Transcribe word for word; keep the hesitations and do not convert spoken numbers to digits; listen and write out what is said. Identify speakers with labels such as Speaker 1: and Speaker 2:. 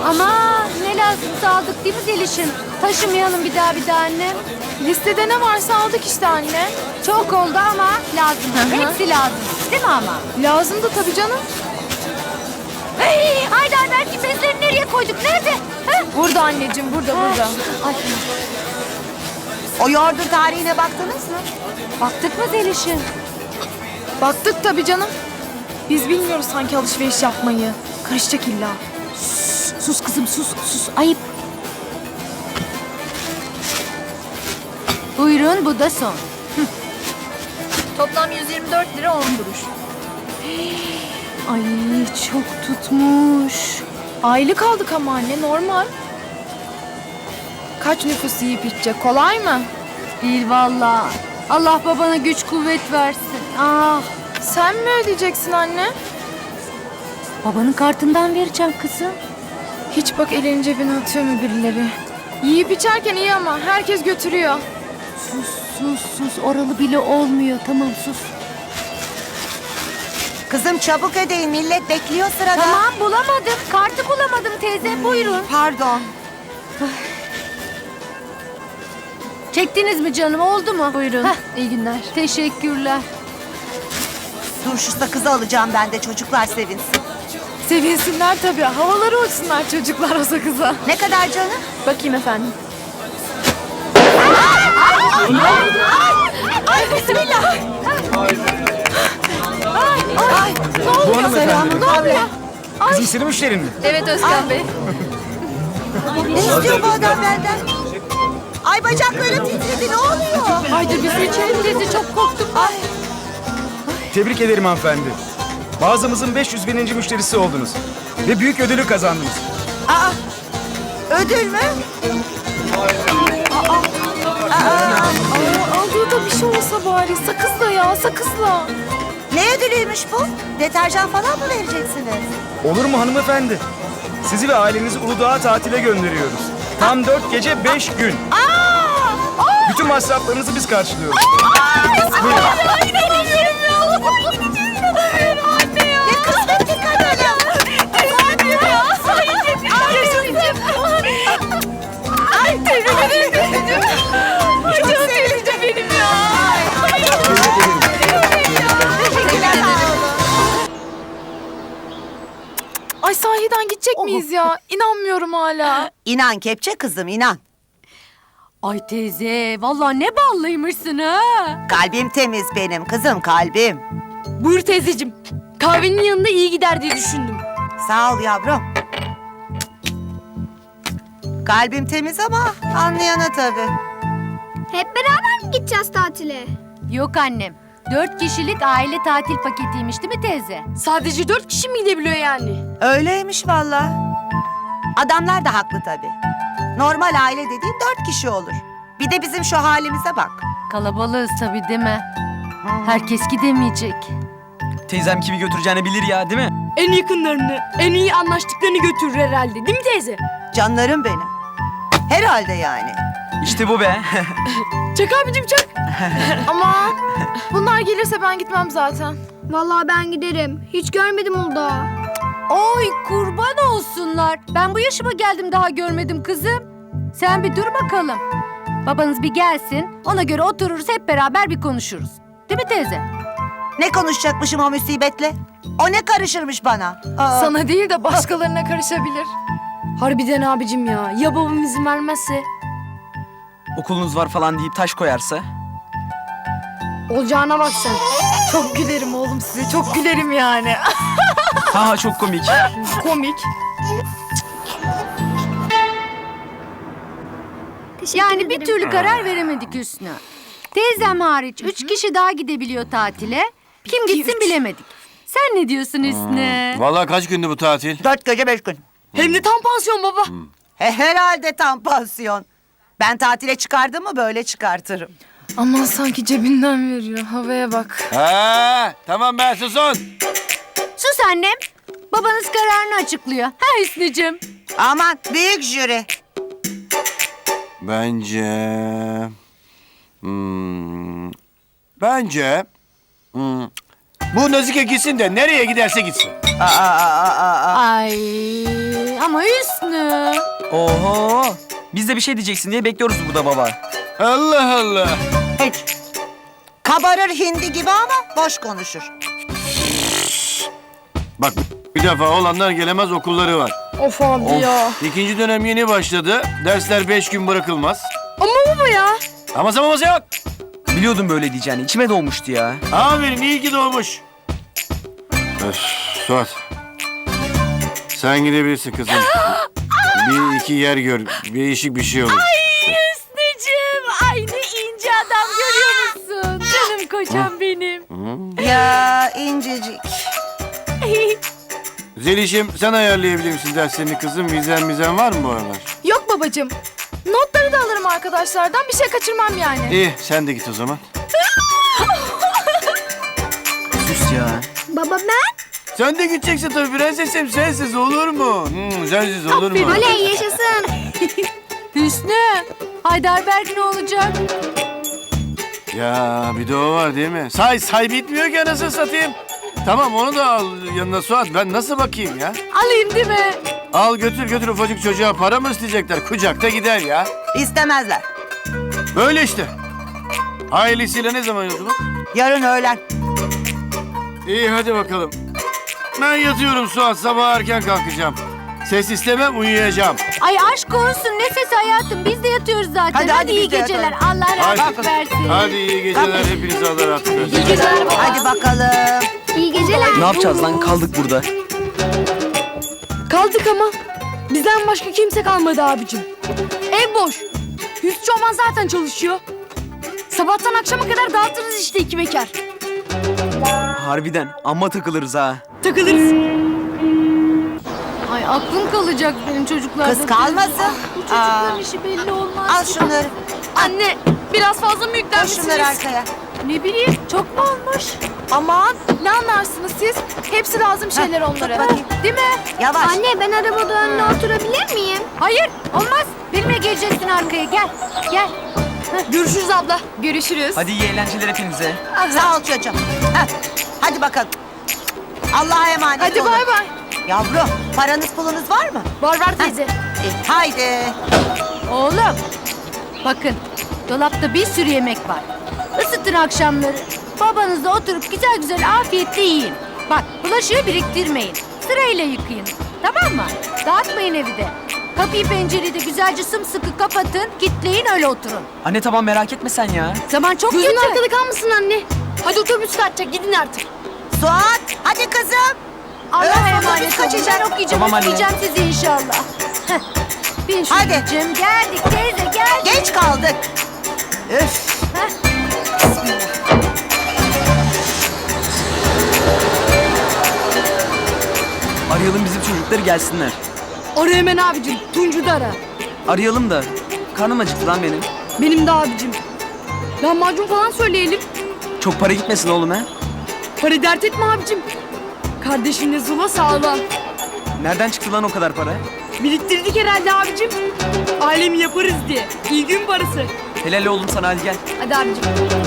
Speaker 1: Ama ne lazımsa aldık değil mi Zeliş'im? Taşımayalım bir daha bir daha annem.
Speaker 2: Listede ne varsa aldık işte anne.
Speaker 1: Çok oldu ama lazım.
Speaker 2: Hı hı.
Speaker 1: Hepsi lazım. Değil mi ama?
Speaker 2: Lazımdı tabii canım.
Speaker 1: Hey, Haydar belki bezleri nereye koyduk? Nerede? Ha?
Speaker 2: Burada anneciğim, burada, burada.
Speaker 1: Ay,
Speaker 3: O yoğurdun tarihine baktınız mı?
Speaker 1: baktık mı Zeliş'im?
Speaker 2: Baktık tabii canım. Biz bilmiyoruz sanki alışveriş yapmayı. Karışacak illa.
Speaker 1: Sus kızım sus sus. Ayıp. Buyurun bu da son.
Speaker 2: Toplam yüz yirmi dört lira on kuruş. Ay çok tutmuş. Aylık aldık ama anne, normal. Kaç nüfus yiyip içecek, kolay mı?
Speaker 1: Değil vallahi. Allah babana güç kuvvet versin. Ah,
Speaker 2: Sen mi ödeyeceksin anne?
Speaker 1: babanın kartından vereceğim kızım.
Speaker 2: Hiç bak elini cebine atıyor mu birileri? Yiyip içerken iyi ama herkes götürüyor.
Speaker 1: Sus sus sus. Oralı bile olmuyor. Tamam sus.
Speaker 3: Kızım çabuk ödeyin, millet bekliyor sırada.
Speaker 1: Tamam bulamadım. Kartı bulamadım teyze. Buyurun.
Speaker 3: Pardon.
Speaker 1: Çektiniz mi canım? Oldu mu?
Speaker 2: Buyurun,
Speaker 1: Heh,
Speaker 2: iyi günler.
Speaker 1: teşekkürler.
Speaker 3: Dur şu sakızı alacağım ben de, çocuklar sevinsin.
Speaker 2: Sevinsinler tabii. Havaları uçsunlar çocuklar o sakıza.
Speaker 3: Ne kadar canım?
Speaker 2: Bakayım efendim.
Speaker 3: Ay bismillah. Ay, ne oluyor?
Speaker 4: Bu hanımefendi.
Speaker 3: Selamun aleyküm.
Speaker 4: Kızım senin müşterin mi?
Speaker 2: Evet Özkan Bey.
Speaker 3: Ne istiyor bu adam benden? Ay bacaklarım titredi, ne oluyor?
Speaker 2: Haydi biz içelim dedi, çok korktum.
Speaker 3: Ay,
Speaker 4: Tebrik ederim hanımefendi. Mağazamızın beş yüz bininci müşterisi oldunuz. Ve büyük ödülü kazandınız.
Speaker 3: aa, ödül mü?
Speaker 2: Aa, aldığı da bir şey olsa bari. Sakızla ya, sakızla.
Speaker 3: Ne ödülüymüş bu? Deterjan falan mı vereceksiniz?
Speaker 4: Olur mu hanımefendi? Sizi ve ailenizi Uludağ'a tatile gönderiyoruz. Tam dört gece beş gün. Bütün masraflarınızı biz karşılıyoruz. Buyurun.
Speaker 3: Ne kısmetli kadınım. Ay, tebrik ederim. Çok sevindim benim ya. Teşekkürler.
Speaker 2: Ay sahiden gidecek miyiz ya? İnanmıyorum hala.
Speaker 3: İnan kepçe kızım, inan.
Speaker 1: Ay teyze, vallahi ne ballıymışsın ha.
Speaker 3: Kalbim temiz benim kızım, kalbim.
Speaker 2: Buyur teyzeciğim. Kahvenin yanında iyi gider diye düşündüm.
Speaker 3: Sağ ol yavrum. Kalbim temiz ama anlayana tabii.
Speaker 5: Hep beraber mi gideceğiz tatile?
Speaker 1: Yok annem. Dört kişilik aile tatil paketiymiş değil mi teyze?
Speaker 2: Sadece dört kişi mi gidebiliyor yani?
Speaker 3: Öyleymiş vallahi. Adamlar da haklı tabii. Normal aile dediğin dört kişi olur. Bir de bizim şu halimize bak.
Speaker 1: Kalabalığız tabii değil mi? Herkes gidemeyecek.
Speaker 6: Teyzem kimi götüreceğini bilir ya, değil mi?
Speaker 2: En yakınlarını, en iyi anlaştıklarını götürür herhalde. Değil mi teyze?
Speaker 3: Canlarım benim. Herhalde yani.
Speaker 6: İşte bu be.
Speaker 2: Çak abicim çak. Ama bunlar gelirse ben gitmem zaten.
Speaker 5: Vallahi ben giderim. Hiç görmedim Uludağ'ı.
Speaker 1: Oy kurban olsunlar. Ben bu yaşıma geldim daha görmedim kızım. Sen bir dur bakalım. Babanız bir gelsin. Ona göre otururuz hep beraber bir konuşuruz. Değil mi teyze?
Speaker 3: Ne konuşacakmışım o musibetle? O ne karışırmış bana? Aa,
Speaker 2: Sana değil de başkalarına karışabilir. Harbiden abicim ya. Ya babam izin vermezse?
Speaker 6: Okulunuz var falan deyip taş koyarsa.
Speaker 2: Olacağına bak sen. Çok gülerim oğlum size. Çok gülerim yani.
Speaker 6: Ha ha, çok komik.
Speaker 2: Komik.
Speaker 5: Teşekkür
Speaker 1: Yani
Speaker 5: ederim.
Speaker 1: bir türlü karar veremedik Hüsnü. Teyzem hariç üç kişi daha gidebiliyor tatile. Kim gitsin bilemedik. Sen ne diyorsun Hüsnü?
Speaker 7: Vallahi kaç gündü bu tatil?
Speaker 3: dört gece beş gün.
Speaker 2: Hem de tam pansiyon baba.
Speaker 3: He, herhalde tam pansiyon. Ben tatile çıkardım mı böyle çıkartırım.
Speaker 2: Aman sanki cebinden veriyor. Havaya bak.
Speaker 7: Ha, tamam ben susun.
Speaker 1: Sus annem. Babanız kararını açıklıyor. Ha Hüsnü'cüm.
Speaker 3: Aman büyük jüri.
Speaker 7: Bence... Hmm, bence... hmm, bu Nazike gitsin de nereye giderse gitsin.
Speaker 3: Aa, aa, aa, aa.
Speaker 1: Ay ama Hüsnü.
Speaker 6: Oho. Biz de bir şey diyeceksin diye bekliyoruz burada baba.
Speaker 7: Allah Allah.
Speaker 3: Hiç. Kabarır hindi gibi ama boş konuşur.
Speaker 7: Bak bir defa olanlar gelemez okulları var.
Speaker 2: Of abi ya.
Speaker 7: İkinci dönem yeni başladı. Dersler beş gün bırakılmaz.
Speaker 2: Ama baba ya.
Speaker 7: Ama zamanımız yok.
Speaker 6: Biliyordum böyle diyeceğini. İçime doğmuştu ya.
Speaker 7: Aferin iyi ki doğmuş. Öf, Suat. Sen gidebilirsin kızım. Bir iki yer gör. Değişik bir şey olur.
Speaker 1: Hüsnücüğüm aynı ince adam görüyor musun? Canım kocam benim.
Speaker 3: Ya incecik.
Speaker 7: Zeliş'im sen ayarlayabilir misin derslerini kızım? Vizen mizen var mı bu aralar?
Speaker 2: Yok babacığım. Notları da alırım arkadaşlardan. Bir şey kaçırmam yani.
Speaker 7: İyi sen de git o zaman.
Speaker 6: Sus ya.
Speaker 5: Baba ben?
Speaker 7: Sen de gideceksin tabii prensesim. Sensiz olur mu? Hmm, sensiz olur mu?
Speaker 5: Oley yaşasın.
Speaker 1: Hüsnü. Heidelberg ne olacak?
Speaker 7: Ya bir de o var değil mi? Say say bitmiyor ki anasını satayım. Tamam onu da al yanına Suat. Ben nasıl bakayım ya?
Speaker 1: Alayım değil mi?
Speaker 7: Al götür götür ufacık çocuğa para mı isteyecekler? Kucakta gider ya.
Speaker 3: İstemezler.
Speaker 7: Böyle işte. Ailesiyle ne zaman yolculuk?
Speaker 3: Yarın öğlen.
Speaker 7: İyi hadi bakalım. Ben yatıyorum Suat. Sabah erken kalkacağım. Ses istemem uyuyacağım.
Speaker 1: Ay aşk olsun ne sesi hayatım biz de yatıyoruz zaten.
Speaker 3: Hadi, hadi,
Speaker 1: iyi
Speaker 3: biz de
Speaker 1: geceler.
Speaker 3: yatalım.
Speaker 1: Allah
Speaker 7: Hadi.
Speaker 1: rahatlık versin.
Speaker 7: Hadi iyi geceler. Hepinize Allah rahatlık versin.
Speaker 1: İyi geceler baba.
Speaker 3: Hadi bakalım.
Speaker 5: İyi geceler.
Speaker 6: Ne yapacağız lan? Kaldık burada.
Speaker 2: Kaldık ama. Bizden başka kimse kalmadı abicim. Ev boş. Hüsnü Çoban zaten çalışıyor. Sabahtan akşama kadar dağıtırız işte iki bekar.
Speaker 6: Harbiden. Amma takılırız ha.
Speaker 2: Takılırız.
Speaker 1: Ay aklım kalacak benim çocuklardan.
Speaker 3: Kız kalmasın.
Speaker 1: Bu çocukların
Speaker 3: Aa.
Speaker 1: işi belli olmaz.
Speaker 3: Al şunları.
Speaker 2: Anne biraz fazla mı
Speaker 3: Koy
Speaker 2: yüklenmişsiniz?
Speaker 3: şunları arkaya.
Speaker 1: Ne bileyim çok mu olmuş?
Speaker 2: Aman ne anlarsınız siz? Hepsi lazım şeyler
Speaker 3: Heh,
Speaker 2: onlara.
Speaker 3: tut bakayım.
Speaker 1: Değil mi?
Speaker 3: Yavaş.
Speaker 5: Anne ben arabada önüne oturabilir miyim?
Speaker 1: Hayır olmaz. Benimle geleceksin arkaya gel. Gel.
Speaker 2: Görüşürüz abla. Görüşürüz.
Speaker 6: Hadi iyi eğlenceler hepinize.
Speaker 3: Sağ ol çocuğum. Heh. Hadi bakalım. Allah'a emanet
Speaker 2: Hadi
Speaker 3: olun.
Speaker 2: bay bay.
Speaker 3: Yavrum paranız pulunuz var mı?
Speaker 2: Var var teyze.
Speaker 3: E, haydi.
Speaker 1: Oğlum. Bakın dolapta bir sürü yemek var. Isıtın akşamları. Babanızla oturup güzel güzel afiyetle yiyin. Bak bulaşığı biriktirmeyin. Sırayla yıkayın. Tamam mı? Dağıtmayın evi de. Kapıyı pencereyi de güzelce sımsıkı kapatın. Kitleyin öyle oturun.
Speaker 6: Anne tamam merak etme sen ya.
Speaker 1: Zaman çok
Speaker 2: Gözün
Speaker 1: kötü.
Speaker 2: arkada kalmasın anne. Hadi otobüs kaçacak gidin artık.
Speaker 3: Suat hadi kızım.
Speaker 1: Allah'a
Speaker 3: Öğretmen
Speaker 1: emanet
Speaker 3: otobüs
Speaker 1: olun.
Speaker 3: kaçacak.
Speaker 1: Ben okuyacağım,
Speaker 6: Tamam anne.
Speaker 1: okuyacağım sizi inşallah. Heh. Bin şu
Speaker 3: Hadi.
Speaker 1: gücüm. Geldik teyze geldik.
Speaker 3: Geç kaldık. Üf.
Speaker 6: Arayalım bizim çocukları gelsinler.
Speaker 2: Ara hemen abicim. Tuncu da ara.
Speaker 6: Arayalım da. Karnım acıktı lan benim.
Speaker 2: Benim de abicim. Lahmacun falan söyleyelim.
Speaker 6: Çok para gitmesin oğlum ha.
Speaker 2: Para dert etme abicim. Kardeşinle Zula sağlam.
Speaker 6: Nereden çıktı lan o kadar para?
Speaker 2: Biriktirdik herhalde abicim. Alemi yaparız diye. İyi gün parası.
Speaker 6: Helal oğlum sana hadi gel.
Speaker 2: Hadi abicim.